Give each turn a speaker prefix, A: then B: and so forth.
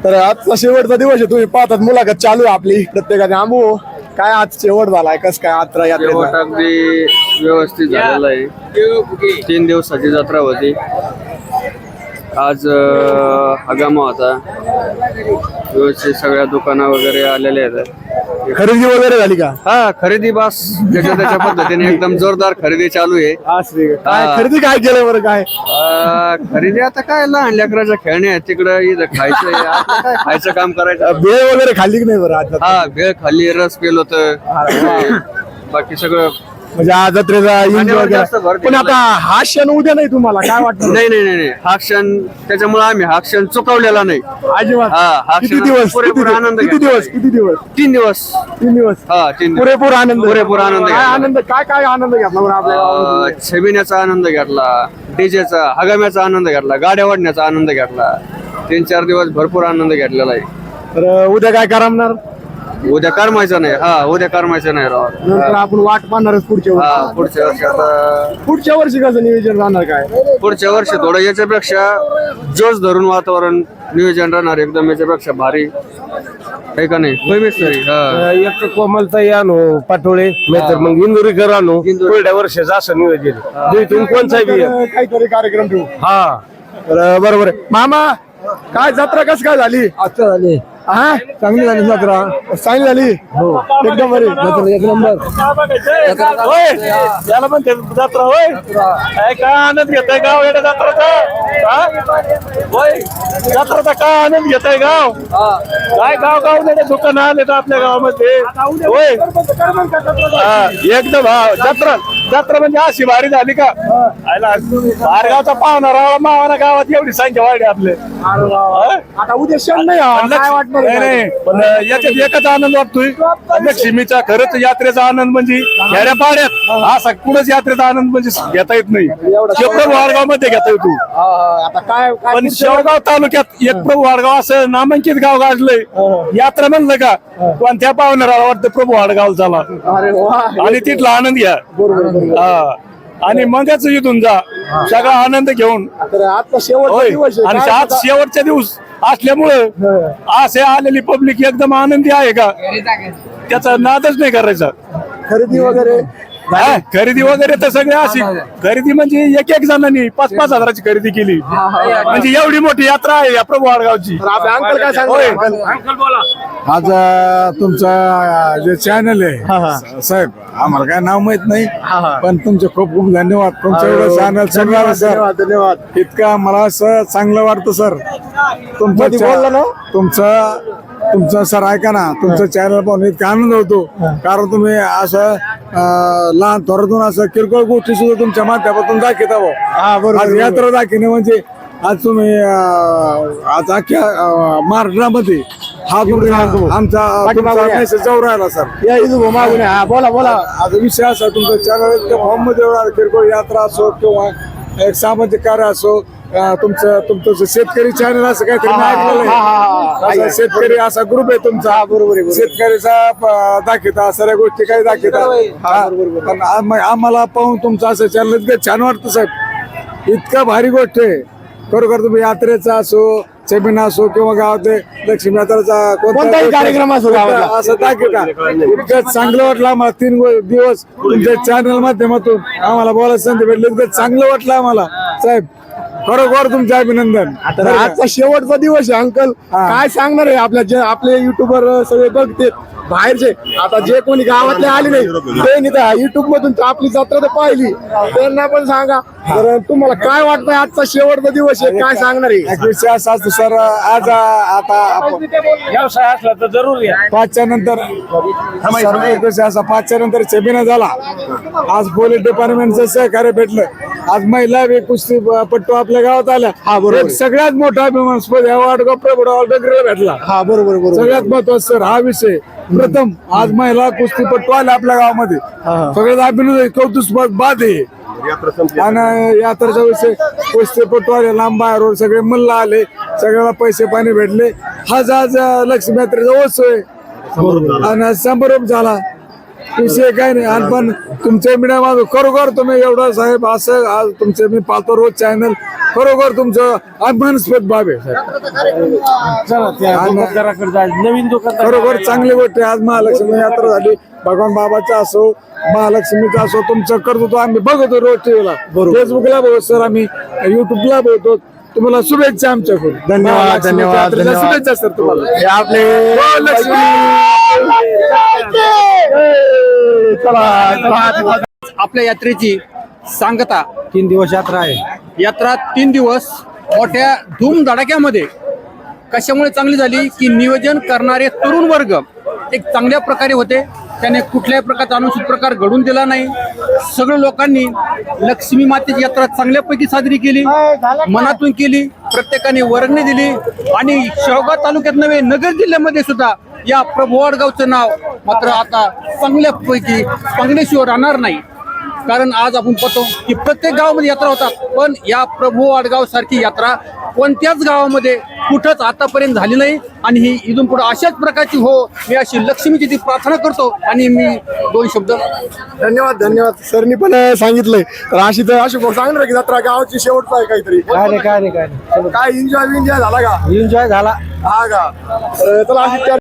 A: तर आजचा शेवटचा दिवस आहे, तुम्ही पाहतात मुलाखत चालू आहे आपली प्रत्येकाने. आंबू काय आज शेवट झालाय, कस काय यात्रा
B: शेवट अगदी व्यवस्थित झालेला आहे. 3 दिवसाची जत्रा होती. आज हगामा होता. व्यवस्थित सगळ्या दुकानं वगैरे आलेले आहेत.
A: खरेदी वगैरे झाली का?
B: हा, खरेदी बस ज्याच्या त्याच्या पद्धतीने एकदम जोरदार खरेदी चालू आहे.
A: काय खरेदी काय केलं बरं? काय
B: खरेदी आता काय लहान लेकराच्या खेळणे आहेत तिकडं, इथं खायचं आहे. आता काय खायचं काम करायचं.
A: भेळ वगैरे खाल्ली की नाही बरं आज?
B: हा, भेळ खाल्ली, रस पेल होत, बाकी सगळं
A: म्हणजे आज जत्रेचा एन्जॉय
B: जास्त भर
A: केला. पण आता हा क्षण उद्या नाही तुम्हाला काय वाटतं?
B: नाही नाही नाही नाही, हा क्षण त्याच्यामुळे आम्ही हा क्षण चुकवलेला नाही.
A: अजिबात.
B: हा
A: किती
B: क्षण
A: दिवस
B: पुरेपूर आनंद
A: किती
B: घेतला.
A: दिवस किती दिवस
B: 3 दिवस
A: 3 दिवस
B: हा 3 दिवस
A: पुरेपूर आनंद
B: पुरेपूर आनंद
A: काय
B: घेतला.
A: आनंद काय आनंद घेतला बरं आपल्या गावामध्ये?
B: छबिण्याचा आनंद घेतला, डीजेचा हगाम्याचा आनंद घेतला, गाड्या वाढण्याचा आनंद घेतला. 3-4 दिवस भरपूर आनंद घेतलेला आहे.
A: तर उद्या काय करमणार?
B: उद्या करमायचं नाही. हा, उद्या करमायचं नाही राव.
A: नंतर आपण वाट पाहणारच पुढच्या
B: हा,
A: वर्षी.
B: पुढच्या वर्षी आता
A: पुढच्या वर्षी कसं नियोजन राहणार काय?
B: पुढच्या वर्षी थोडं याच्यापेक्षा जोश धरून वातावरण नियोजन राहणार एकदम याच्यापेक्षा भारी आहे का नाही? तरी हा
C: एक कोमलताई आणू पाटोळे नाहीतर मग इंदुरीकर आणू. पुढल्या वर्षाचं असं नियोजन तुम्ही कोणचा बी आहे.
A: काहीतरी कार्यक्रम ठेवू.
C: हा
A: तर बरोबर आहे. मामा काय जत्रा कस काय झाली?
C: आता झाले
A: हा,
C: चांगली झाली जत्रा.
A: चांगली झाली. हो, एकदम बरी.
C: जत्रा एक नंबर.
A: याला पण जत्रा होय. काय आनंद घेताय गाव या जत्राचा काय आनंद घेताय गाव? काय गाव दुकान आले तर आपल्या गावामध्ये होय. एकदम हा जत्रा म्हणजे अशी भारी झाली का? बाहेरगावचा पाहुणा राहा मावाना गावात एवढी संख्या वाढली आपले. आता उद्या क्षण नाही काय वाटणार?
D: नाही पण याच्यात एकच आनंद वाटतोय. लक्ष्मीचा खरंच यात्रेचा आनंद म्हणजे खेड्या पाड्यात असा कुठंच यात्रेचा आनंद म्हणजे घेता येत नाही. प्रभू वाडगाव मध्ये घेता येतो.
A: आता काय
D: पण शेवगाव तालुक्यात एक प्रभू वाडगाव असं नामांकित गाव गाजलंय. यात्रा म्हणलं का पण त्या पाहुण्याला वाटतं प्रभू वाडगाव झाला
A: अरे वा.
D: आणि तिथला आनंद घ्या. हा, आणि मगच इथून जा सगळा आनंद घेऊन.
A: तर आजचा शेवटचा
D: होय.
A: दिवस आहे.
D: आणि
A: काय
D: आज शेवटचा दिवस असल्यामुळं असे आलेली पब्लिक एकदम आनंदी आहे का त्याचा नादच नाही करायचा.
A: खरेदी वगैरे
D: हा, खरेदी वगैरे तर सगळे अशी खरेदी म्हणजे एक जणांनी 5-5 हजाराची खरेदी केली. म्हणजे एवढी मोठी यात्रा आहे या प्रभू वाडगावची.
A: तर आपले अंकल काय सांगतो?
C: आज तुमचा जे चॅनल आहे साहेब आम्हाला काय नाव माहित नाही पण तुमचे खूप खूप धन्यवाद. तुमचं एवढं चॅनल सगळं सर
A: धन्यवाद धन्यवाद.
C: इतका मला असं चांगलं वाटतं सर.
A: मध्ये बोलला ना?
C: तुमचं सर ऐका ना, तुमचं चॅनल पाहून इतका आनंद होतो. कारण तुम्ही असं लहान थोरातून असं किरकोळ गोष्टी सुद्धा तुमच्या माध्यमातून दाखवता.
A: हा बरोबर.
C: आज यात्रा दाखवणे म्हणजे आज तुम्ही आज अख्ख्या महाराष्ट्रामध्ये हा आमचा मेसेज जाऊ राहिला सर.
A: या इथं मागून हा बोला बोला.
C: आज विषय असा तुमचं चॅनल फॉर्म मध्ये किरकोळ यात्रा असो किंवा एक सामाजिक कार्य असो. तुमचं शेतकरी चॅनल असं काहीतरी मी ऐकलेलं आहे. असं शेतकरी असा ग्रुप आहे तुमचा.
A: बरोबर आहे.
C: शेतकऱ्याचा दाखवता सर्व गोष्टी काही दाखवता. पण आम्हाला पाहून तुमचं असं चॅनल इतकं छान वाटतं साहेब. इतका भारी गोष्ट आहे खरोखर. तुम्ही यात्रेचा असो सेमिना असो किंवा गावात लक्ष्मी यात्राचा
A: कोणताही कार्यक्रम असो गावातला.
C: असं दाखवता. इतकं चांगलं वाटलं आम्हाला. 3 दिवस तुमच्या चॅनल माध्यमातून आम्हाला बोलायला संधी भेटली. इतकं चांगलं वाटलं आम्हाला साहेब. खरोखर तुमचं अभिनंदन.
A: तर आजचा शेवटचा दिवस आहे अंकल. काय सांगणार आहे आपले युट्यूबर सगळे बघते बाहेरचे. आता जे कोणी गावातले आले नाही ते युट्यूब मधून आपली जत्रा तर पाहिली त्यांना पण सांगा. तर तुम्हाला काय वाटतंय आजचा शेवटचा दिवस आहे काय सांगणार आहे?
C: विषय असा असतो सर. आज आता
D: व्यवसाय असला तर जरूर या.
C: 5च्या नंतर असा 5च्या नंतर सेमिनार झाला. आज पोलीस डिपार्टमेंटचं सहकार्य भेटलं. आज महिला कुस्ती पट्टू आपल्या गावात आल्या.
A: हा बरोबर.
C: सगळ्यात मोठा अभिमानास्पद डगरीला भेटला.
A: हा बरोबर बरोबर.
C: सगळ्यात महत्वाचा सर हा विषय. प्रथम आज महिला कुस्तीपट्टू आल्या आपल्या गावामध्ये. सगळ्यात अभिनंदन कौतुक बाद आहे. आणि यात्रेचा विषय कुस्तीपट्टू आले लांब बाहेर सगळे मल्ल आले. सगळ्याला पैसे पाणी भेटले. हाच आज लक्ष्मी यात्रेचा उत्सव आहे आणि समारोप झाला. विषय काय नाही. आणि पण तुमच्या मीडिया माझं खरोखर तुम्ही एवढं साहेब असं आज तुमचे मी पाहतो रोज चॅनल खरोखर तुमचं अभिमानास्पद बाब आहे
E: नवीन दुकान
C: खरोखर चांगली गोष्ट आहे. आज महालक्ष्मी यात्रा झाली, भगवान बाबाचा असो महालक्ष्मीचा असो, तुमचं कर्तृत्व आम्ही बघतो रोज टीव्हीला, फेसबुकला बघतो सर, आम्ही युट्यूबला बघतो. तुम्हाला शुभेच्छा आमच्याकडून.
A: धन्यवाद, धन्यवाद,
C: यात्रेच्या
A: धन्यवाद.
C: शुभेच्छा सर तुम्हाला.
A: हे आपले
C: लक्ष्मी.
A: चला
F: आपल्या यात्रेची सांगता
E: 3 दिवस यात्रा आहे.
F: यात्रा 3 दिवस मोठ्या धूमधडाक्यामध्ये कशामुळे चांगली झाली की नियोजन करणारे तरुण वर्ग एक चांगल्या प्रकारे होते. त्याने कुठल्याही प्रकारचा अनुचित प्रकार घडून दिला नाही. सगळ्या लोकांनी लक्ष्मी मातेची यात्रा चांगल्यापैकी साजरी केली, मनातून केली. प्रत्येकाने वर्गणी दिली आणि शेवगाव तालुक्यात नव्हे नगर जिल्ह्यामध्ये सुद्धा या प्रभू वाडगावचं नाव मात्र आता चांगल्यापैकी चांगल्याशिवाय राहणार नाही. कारण आज आपण पाहतो की प्रत्येक गावामध्ये यात्रा होतात, पण या प्रभू वाडगाव सारखी यात्रा कोणत्याच गावामध्ये कुठंच आतापर्यंत झाली नाही. आणि ही इथून पुढे अशाच प्रकारची हो, मी अशी लक्ष्मीची ती प्रार्थना करतो. आणि मी 2 शब्द
A: धन्यवाद, धन्यवाद. सरनी पण सांगितलंय तर अशी सांगणार की जत्रा गावाची शेवटचा आहे काहीतरी.
E: काय नाही
A: काय एन्जॉय झाला का?
E: एन्जॉय झाला.
A: हा का? तर चला अशी